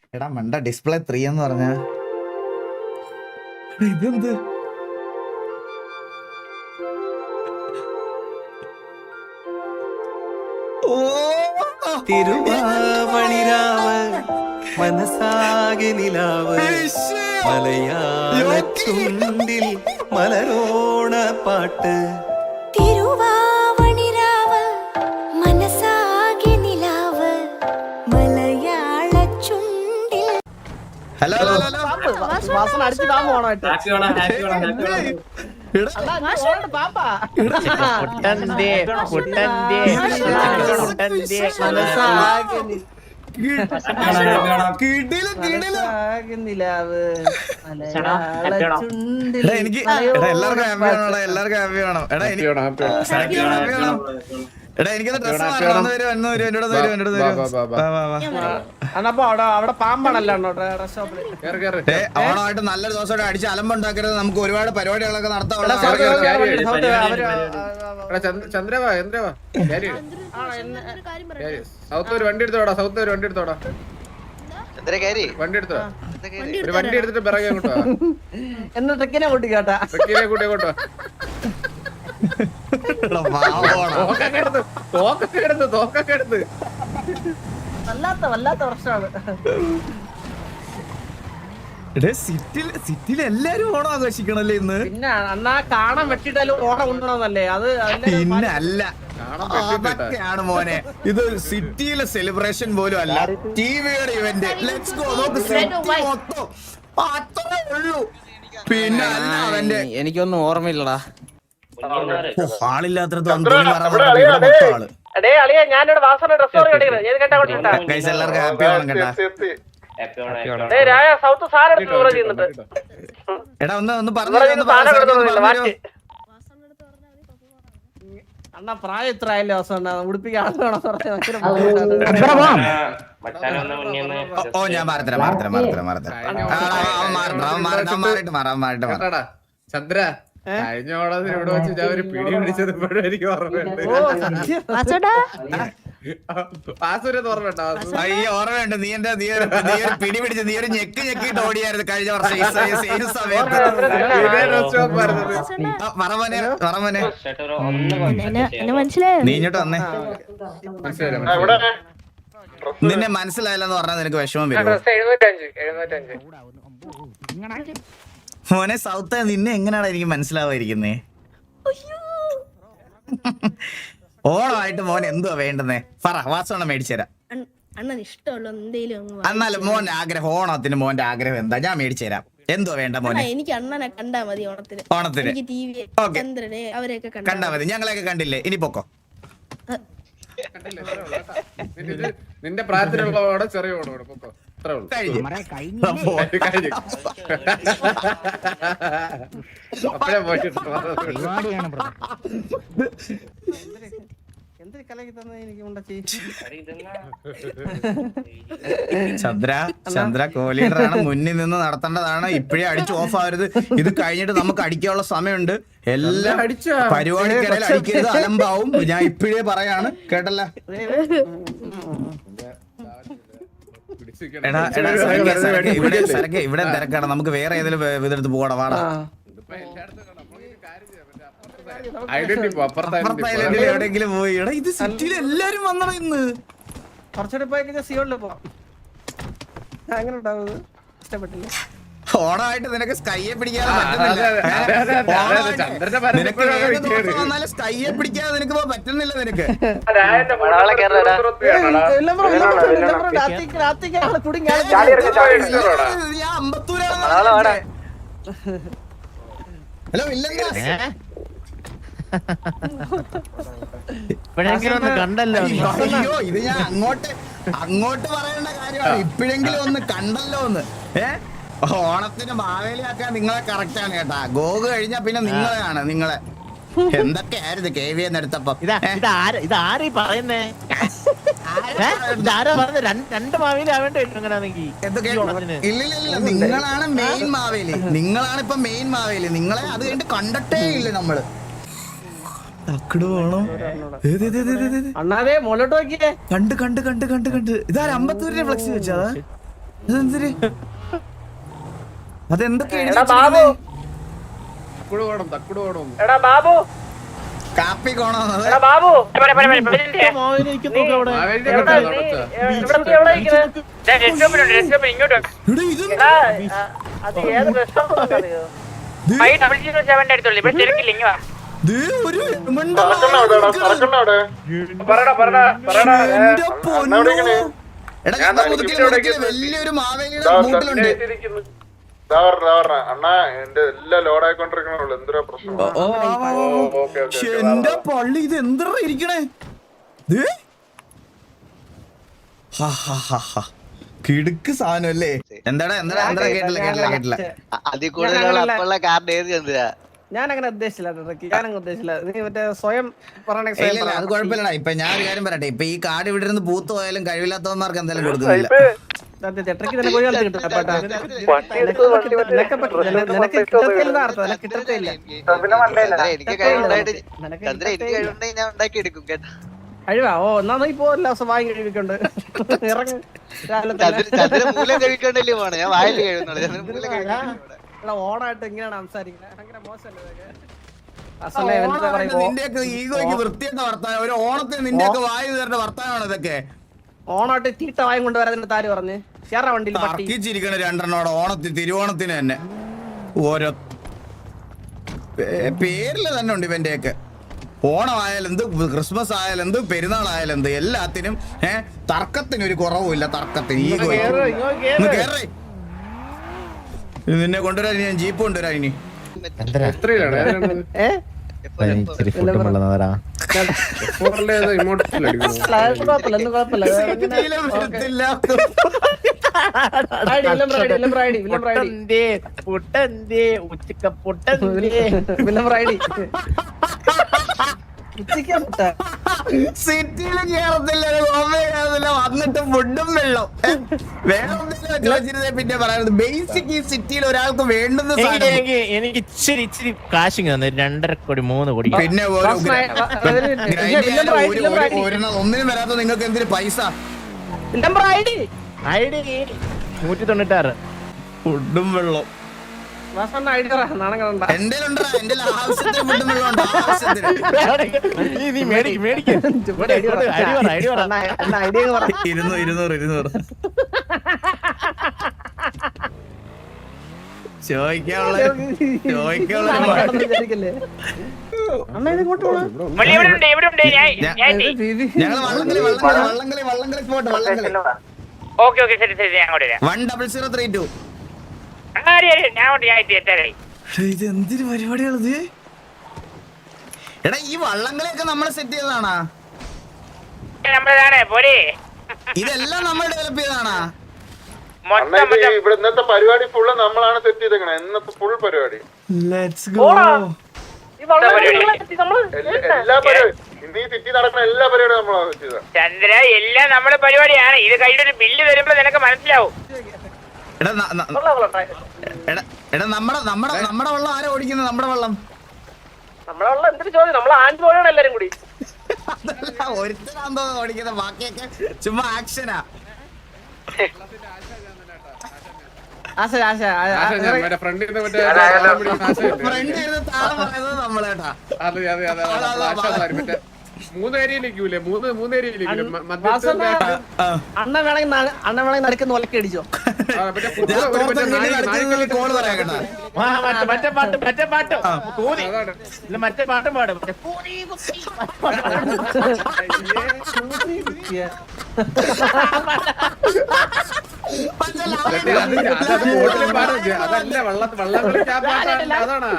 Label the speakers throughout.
Speaker 1: എടാ മണ്ട ഡിസ്പ്ലേ 3 എന്ന് പറഞ്ഞ ഇതെന്ത്
Speaker 2: തിരുവാവണിരാവ് മനസാകെ നിലാവ് മലയാള ചുണ്ടിൽ മലരോണ പാട്ട്
Speaker 3: തിരുവാവണിരാവ് മനസാകെ നിലാവ് മലയാള ചുണ്ടിൽ.
Speaker 1: ഹലോ
Speaker 4: വാസന അടിച്ച് താൻ പോണായിട്ട്
Speaker 1: എനിക്ക് എല്ലാവർക്കും ഹാപ്പി വേണം എല്ലാവർക്കും ഹാപ്പി വേണം എടാ എനിക്ക് എടാ എനിക്കത് ഡ്രസ്
Speaker 4: അവിടെ പാമ്പാണല്ലോ
Speaker 1: ഓണമായിട്ട് നല്ലൊരു ദിവസമായിട്ട് അടിച്ച് അലമ്പുണ്ടാക്കരുത്. നമുക്ക് ഒരുപാട് പരിപാടികളൊക്കെ നടത്താനുള്ള
Speaker 5: സൗത്ത് ഒരു വണ്ടി എടുത്തോടാ വണ്ടി എടുത്തോ ഒരു വണ്ടി എടുത്തിട്ട് പിറകെ കൂട്ടോ
Speaker 4: എന്ന് ട്രെക്കിനെ കൂട്ടി കേട്ടാ
Speaker 5: കൂട്ടിയെ കൂട്ടോ തോക്കൊക്കെ എടുത്ത്
Speaker 4: വല്ലാത്ത പ്രശ്നമാണ്.
Speaker 1: സിറ്റിയിൽ എല്ലാരും ഓണം ആഘോഷിക്കണല്ലേ ഇന്ന്.
Speaker 4: പിന്നെ അന്നാ കാണാൻ വെട്ടിട്ടാലും ഓണം ഉണ്ടോന്നല്ലേ അത്
Speaker 1: പിന്നെ അല്ല അതൊക്കെയാണ് മോനെ. ഇത് സിറ്റിയിലെ സെലിബ്രേഷൻ പോലും അല്ല, ടിവിയുടെ ഇവന്റ്. ലെറ്റ്സ് ഗോ നോക്ക് സിറ്റി മൊത്തം അത്രേ ഉള്ളൂ. പിന്നെ അല്ല അവന്റെ
Speaker 2: എനിക്കൊന്നും ഓർമ്മയില്ലടാ.
Speaker 1: ആളില്ലാത്തടത്തോളം ആള്.
Speaker 4: ഞാനിവിടെ വാസന ഡ്രസ്
Speaker 1: എല്ലാവർക്കും ഹാപ്പി ആവണം കേട്ടാ.
Speaker 4: സൗത്ത് സാധനം എടുത്ത് ചെയ്യുന്നുണ്ട്.
Speaker 1: എടാ ഒന്ന് പറഞ്ഞു
Speaker 4: അണ്ണാ പ്രായം ഇത്ര ആയല്ലേ അവസാനം ഉടുപ്പിക്കാൻ
Speaker 1: ഓ ഞാൻ മാറത്തരാം
Speaker 5: ചന്ദ്ര കഴിഞ്ഞ ഓണത്തിന് ഇവിടെ വെച്ച് ഞാൻ ഒരു പിടി പിടിച്ചത് ഇപ്പോഴും എനിക്ക് ഓർമ്മയുണ്ട്.
Speaker 1: അയ്യോ ഓർമ്മയുണ്ട്. നീ ഒരു പിടി പിടിച്ച് നീ ഒരു ഞെക്കിട്ട് ഓടിയായിരുന്നു കഴിഞ്ഞ വർഷം ഈ സമയത്ത്. നീ ഇങ്ങോട്ട് വന്നേ. നിന്നെ മനസ്സിലായില്ലെന്ന് പറഞ്ഞാൽ നിനക്ക് വിഷമം വരും മോനെ. സൗത്ത് നിന്നെ എങ്ങനെയാണ് എനിക്ക് മനസ്സിലാവാതിരിക്കുന്നേ? ഓണമായിട്ട് മോൻ എന്തുവാ വേണ്ടുന്നേ പറ. വാസവണ്ണം മേടിച്ചുതരാം. എന്നാലും മോന്റെ ആഗ്രഹം, ഓണത്തിന് മോന്റെ ആഗ്രഹം എന്താ? ഞാൻ മേടിച്ചു തരാം. എന്തുവാ വേണ്ട മോനെ?
Speaker 3: എനിക്ക് അണ്ണനെ കണ്ടാ മതി ഓണത്തിന്.
Speaker 1: കണ്ടാ മതി. ഞങ്ങളെയൊക്കെ കണ്ടില്ലേ? ഇനി പൊക്കോ.
Speaker 5: നിന്റെ പ്രായത്തിലുള്ള ഓടെ ചെറിയ ഓടോടെ പൊക്കോ.
Speaker 1: ചന്ദ്ര കോഹ്ലിയാണ് മുന്നിൽ നിന്ന് നടത്തേണ്ടതാണ്. ഇപ്പോഴേ അടിച്ച് ഓഫ് ആവരുത്. ഇത് കഴിഞ്ഞിട്ട് നമുക്ക് അടിക്കാനുള്ള സമയമുണ്ട്. എല്ലാം പരിപാടിക്കിടയിൽ അടിക്കരുത്, അലമ്പാവും. ഞാൻ ഇപ്പോഴേ പറയാണ്, കേട്ടല്ല? ഇവിടെ തിരക്കാണ്. നമുക്ക് വേറെ ഏതെങ്കിലും ഇതെടുത്ത് പോകണം. വാടാ എവിടെയെങ്കിലും പോയി. എടാ ഇത് സിറ്റിയിൽ എല്ലാരും വന്നോ ഇന്ന്.
Speaker 4: കുറച്ചുകൂടെ പോയി സിയോളിൽ പോവാം. അങ്ങനെ ഉണ്ടാവുന്നത് ഇഷ്ടപ്പെട്ടില്ല.
Speaker 1: ഓണമായിട്ട് നിനക്ക് സ്കൈയെ പിടിക്കാതെ പറ്റുന്നില്ല. സ്കൈയെ പിടിക്കാതെ നിനക്ക് പറ്റുന്നില്ല. നിനക്ക് ഞാൻ അമ്പത്തൂരാണ്. ഹലോ ഇല്ലെന്നാ
Speaker 2: കണ്ടല്ലോ.
Speaker 1: അയ്യോ ഇത് ഞാൻ അങ്ങോട്ട് പറയേണ്ട കാര്യമാണ്. ഇപ്പോഴെങ്കിലും ഒന്ന് കണ്ടല്ലോ ഒന്ന്. ഓണത്തിന് മാവേലിയാക്കാൻ നിങ്ങളെ കറക്റ്റ് ആണ് കേട്ടാ. ഗോഗ് കഴിഞ്ഞാ പിന്നെ നിങ്ങളെയാണ്. നിങ്ങളെ എന്തൊക്കെയായിരുന്നു കെ വി എന്നെടുത്തപ്പം.
Speaker 2: ഇതാരീ പറയുന്നേ? ഇതാരാ പറഞ്ഞ രണ്ട് മാവേലി ആവേണ്ടി അങ്ങനെയാണെങ്കിൽ?
Speaker 1: ഇല്ലില്ല, നിങ്ങളാണ് മെയിൻ മാവേലി. നിങ്ങളാണ് ഇപ്പൊ മെയിൻ മാവേലി. നിങ്ങളെ അത് കഴിഞ്ഞിട്ട് കണ്ടിട്ടേ ഇല്ല നമ്മള്.
Speaker 4: അണ്ണാതെ മോളോട്ട് നോക്കിയേ.
Speaker 1: കണ്ട് ഇതാ അമ്പത്തൂരിന്റെ ഫ്ലക്സ് വെച്ചാ. അതെന്തിന്? അതെന്തൊക്കെ എഴുതി
Speaker 4: എടാ ബാബു
Speaker 1: വെച്ചിരിക്കുന്നെ?
Speaker 5: തക്കുട് വേണം
Speaker 4: എടാ ബാബു
Speaker 1: കാപ്പി കോണോ അത്?
Speaker 4: എടാ ബാബു
Speaker 2: മാവേലിക്ക് നോക്ക് അവിടെ.
Speaker 5: മാവേലിന്റെ
Speaker 4: എവിടെ
Speaker 5: കണ്ടോ
Speaker 4: നീ
Speaker 5: അവിടുത്തെ?
Speaker 4: ഇവിടെ എവിടെ ഇരിക്കുന്നത്
Speaker 3: ഇങ്ങോട്ട്
Speaker 1: എടാ, ഇത്
Speaker 4: എടാ അത് ഏത് റെസ്റ്റോറന്റ് അറിയോ
Speaker 1: ദേ,
Speaker 3: ഇവിടെ തിരക്കില്ലെങ്കിൽ വാ
Speaker 1: ദേ ഒരു എമണ്ടമാണ് നിൽക്കുന്നത്. എന്റെ പൊന്നോ. എടാ, ഞങ്ങളുടെ മുതുക്കില് വലിയൊരു മാവേലിയുടെ മൂട്ടിലുണ്ട്.
Speaker 6: അണ്ണാ എന്റെ എല്ലാം ലോഡ് ആയിക്കൊണ്ടിരിക്കണുള്ളൂ എന്തൊരു പ്രശ്നം
Speaker 1: ഓ, ശ്ശെ, എന്റെ പള്ളി ഇത് എന്താ ഇരിക്കണേ? ദേ. ഹാ, ഹാ, ഹാ, ഹാ. കിടുക്ക് സാധനം അല്ലേ? എന്താടാ എന്താടാ എന്താടാ കേട്ടില്ല
Speaker 7: അതിൽ കൂടുതലുള്ള അപ്പുള്ള കാർഡ് ഏത് ചന്ദ്ര?
Speaker 4: ഞാൻ അങ്ങനെ ഉദ്ദേശിച്ചില്ല ട്രക്കി, ഞാനങ്ങ് ഉദ്ദേശിച്ചില്ല. നീ മറ്റേ സ്വയം പറയണേ സ്വയം
Speaker 1: ഇല്ല, അത്
Speaker 4: പറ.
Speaker 1: കുഴപ്പമില്ലടാ. ഇപ്പൊ ഞാൻ ഒരു കാര്യം പറയട്ടെ, ഇപ്പൊ ഈ കാർഡ് ഇവിടെ ഇരുന്ന് പൂത്ത് പോയാലും കഴിവില്ലാത്തവന്മാർക്ക് എന്തായാലും കൊടുക്കുന്നില്ല.
Speaker 4: സത്യം, ട്രക്കി നിനക്ക് ഒരു കാലത്ത് കിട്ടും കേട്ടോ. നിനക്ക് കിട്ടത്തില്ല അർത്ഥം, നിനക്ക് കിട്ടത്തില്ല.
Speaker 7: എനിക്ക് കഴിവുണ്ടായിട്ട് ചന്ദ്ര എനിക്ക് കഴിവുണ്ടെങ്കിൽ ഞാൻ ഉണ്ടാക്കി എടുക്കും കേട്ടോ.
Speaker 4: കഴിവാ? ഓ എന്നാ നീ പോ, എല്ലാ ദിവസം വാങ്ങി കഴിവിക്കൊണ്ട് ഇറങ്ങി രാവിലെ തന്നെ.
Speaker 7: ചന്ദ്ര മൂലം കഴിക്കണ്ടല്ലേ പോണേ, ഞാൻ വായിൽ കഴിയുന്നുള്ളൂ. ചന്ദ്ര മൂലം കഴിക്കണ്ട.
Speaker 4: എടാ, ഓണായിട്ട് ഇങ്ങനെയാണ് സംസാരിക്കുന്നത്, ഭയങ്കര മോശമല്ലേ ഇതൊക്കെ? അസലേ എന്താ പറയുമ്പോ
Speaker 1: നിന്റെയൊക്കെ ഈഗോയ്ക്ക് വൃത്തിയെന്ന വർത്താനം, ഒരു ഓണത്തിന് നിന്റെയൊക്കെ വായു തരേണ്ട വർത്താനമാണ് ഇതൊക്കെ.
Speaker 4: ഓണായിട്ട് തീട്ട വായും കൊണ്ടുവരാൻ താര് പറഞ്ഞ് ചേറ വണ്ടിയിൽ പട്ടി.
Speaker 1: തർക്കിച്ചിരിക്കണ രണ്ടെണ്ണോടെ ഓണത്തിന് തിരുവോണത്തിന് തന്നെ ഓരോ പേരില് തന്നെ ഉണ്ട് ഇവന്റെയൊക്കെ. ഓണമായാലും എന്ത്, ക്രിസ്മസ് ആയാലും എന്ത്, പെരുന്നാളായാലും എന്ത്, എല്ലാത്തിനും തർക്കത്തിന് ഒരു കുറവുമില്ല. തർക്കത്തിന് ഈഗോ കേറേ. നിന്നെ കൊണ്ടുവരാൻ ഞാൻ ജീപ്പ് കൊണ്ടുവരാൻ ഇനി.
Speaker 5: എത്രയിലാണ് ഏതാണ്? ഇമോട്ടൽ അടിക്കുന്നു.
Speaker 1: വരത്തില്ല.
Speaker 2: പൊട്ടന്തേ, പൊട്ടന്തേ, ഉച്ചക്ക പൊട്ടന്തേ.
Speaker 1: സിറ്റിയിലും കേറത്തില്ല, ബോംബെ കേറത്തില്ല, വന്നിട്ട് ഫുഡും വെള്ളം വേറെ എന്തെങ്കിലും ചോദിച്ചിരുന്നേ പിന്നെ പറയുന്നത്. ബേസിക് ഈ സിറ്റിയിൽ ഒരാൾക്ക് വേണ്ടുന്ന സാധനം.
Speaker 2: എനിക്ക് ഇച്ചിരി കാശിങ് തന്നെ 2.5 കോടി 3 കോടി.
Speaker 1: പിന്നെ ഒന്നിനും വരാത്ത നിങ്ങൾക്ക് എന്തിനു പൈസ?
Speaker 2: ഐഡി 196.
Speaker 1: ഫുഡും വെള്ളം
Speaker 4: നാണങ്ങളുണ്ടാ?
Speaker 1: എന്റെ ഉണ്ടോ? എന്റെ ആവശ്യത്തിന് ഫുഡും വെള്ളം ഉണ്ടോ? ആവശ്യത്തിന്
Speaker 2: നീ മേടിക്ക്. ഐഡി പറ.
Speaker 4: ഐഡിയ പറ.
Speaker 1: 200 ചോദിക്കാനുള്ള
Speaker 4: അണ്ണ ഇത് ഇങ്ങോട്ട് പോണോ?
Speaker 1: ഞങ്ങള് വള്ളംകളി പോട്ടെ. വള്ളംകളി 10032. ഇത് എന്തൊരു പരിപാടിയാണിത്? എടാ, ഈ വള്ളംകളിയൊക്കെ നമ്മൾ സെറ്റ് ചെയ്തതാണാ? ഇതെല്ലാം നമ്മൾ ഡെവലപ്പ് ചെയ്തതാണാ?
Speaker 6: ഇവിടെ ഇന്നത്തെ പരിപാടി ഫുള്ള് നമ്മളാണ് സെറ്റ് ചെയ്തേക്കണേ. ഇന്നത്തെ ഫുൾ പരിപാടി
Speaker 1: ലെറ്റ്സ് ഗോ.
Speaker 4: ഈ വള്ളം നമ്മള്
Speaker 6: എല്ലാ പരിപാടി ഇന്ന് ഈ സിറ്റി നടക്കുന്ന എല്ലാ പരിപാടിയും നമ്മളാണ് സെറ്റ് ചെയ്തത്.
Speaker 8: ചന്ദ്ര എല്ലാം നമ്മുടെ പരിപാടിയാണ്. ഇത് കഴിഞ്ഞ ഒരു ബില്ല് വരുമ്പോ നിനക്ക് മനസ്സിലാവും.
Speaker 1: എടാ നമ്മുടെ വള്ളം ആരാ ഓടിക്കുന്നത്? നമ്മുടെ വള്ളം
Speaker 4: നമ്മളെ വള്ളം എന്തൊരു ചോദ്യം? നമ്മളെ ആൻഡ് പോലെയാണ് എല്ലാരും കൂടി.
Speaker 1: ഒരുത്തനാന്തോ ഓടിക്കുന്നത്, ബാക്കിയൊക്കെ ചുമ്മാ ആക്ഷനാ.
Speaker 5: ഫ്രണ്ടിൽ നിന്ന് മറ്റേ
Speaker 1: ഫ്രണ്ട് ഇരുന്ന് താളം പറയുന്നത് നമ്മളേട്ടാ.
Speaker 5: അതെ മറ്റേ 3 ഏരിയയിലേക്കൂലേ? 3 ഏരിയയിലേക്കൂലേ?
Speaker 4: അണ്ണ വേണമെങ്കിൽ നടക്കുന്ന ഒലക്കെ അടിച്ചോ.
Speaker 1: കോള് പറയാ കേട്ടാ.
Speaker 2: മറ്റേ പാട്ട് കൂതി. ഇല്ല, മറ്റേ പാട്ടും പാടും. കൂതി കുത്തി.
Speaker 5: അതല്ല വള്ളംകളി അതാണ്.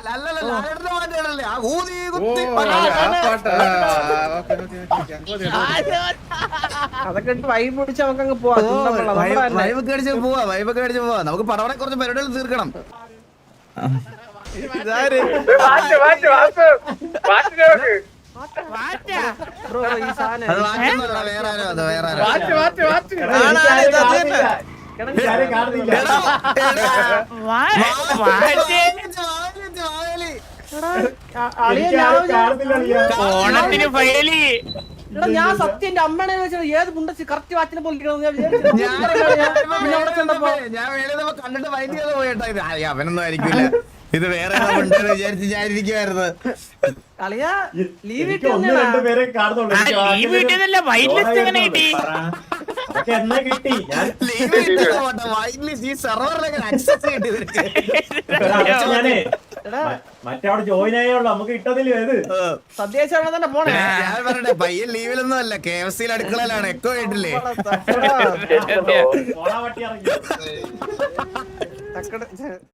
Speaker 4: അതൊക്കെ വൈബ് പിടിച്ച് നമുക്ക് അങ്ങ് പോവാം.
Speaker 1: വൈബൊക്കെ അടിച്ച് പോവാ. നമുക്ക് പടവടെ കുറച്ച് പരിപാടികൾ തീർക്കണം.
Speaker 4: ബ്രോ ഈ സാധനം
Speaker 1: അത് മാറ്റുന്നല്ല, വേറെ ആരോ അത് വേറെ ആരോ.
Speaker 2: ഓണത്തിന് ഫയലി.
Speaker 4: ഞാൻ സത്യം എന്റെ അമ്മനെ വെച്ചാൽ ഏത് മുണ്ടച്ച് കറക്റ്റ് വാച്ചിനെ പോലെ
Speaker 1: ഞാൻ വേണേ കണ്ടിട്ട് മൈൻഡ് ചെയ്ത് പോയിട്ടാ ഇത് അവനൊന്നും ആയിരിക്കില്ല ഇത് വേറെ ഉണ്ടെന്ന് വിചാരിച്ച് ഞാൻ ഇരിക്കുവായിരുന്നു
Speaker 4: കളിയാ ലീവ്
Speaker 9: എനിക്ക് ഒന്ന് രണ്ടുപേരെ കാണുന്നുള്ളൂ എനിക്ക്
Speaker 8: ഈ വീട്ടിൽ നിന്നല്ല വൈറ്റ് ലിസ്റ്റ് എങ്ങനെ കിട്ടി
Speaker 9: അതൊക്കെ എന്നാ കിട്ടി ഞാൻ
Speaker 1: ലീവ് ഈ സെർവറിലേക്ക് ആക്സസ് കിട്ടി
Speaker 9: ഞാനേ മറ്റേ അവിടെ ജോയിൻ ആയുള്ളൂ നമുക്ക് കിട്ടതില്ല ഏത്
Speaker 4: സദ്യശാല തന്നെ പോണേ
Speaker 1: ഞാൻ പറയട്ടെ പയ്യൻ ലീവിലൊന്നും അല്ല KFC അടുക്കളയിലാണ് എക്കോ ആയിട്ടില്ലേ
Speaker 9: ഓണാ വട്ടി ഇറങ്ങി
Speaker 4: തക്കട്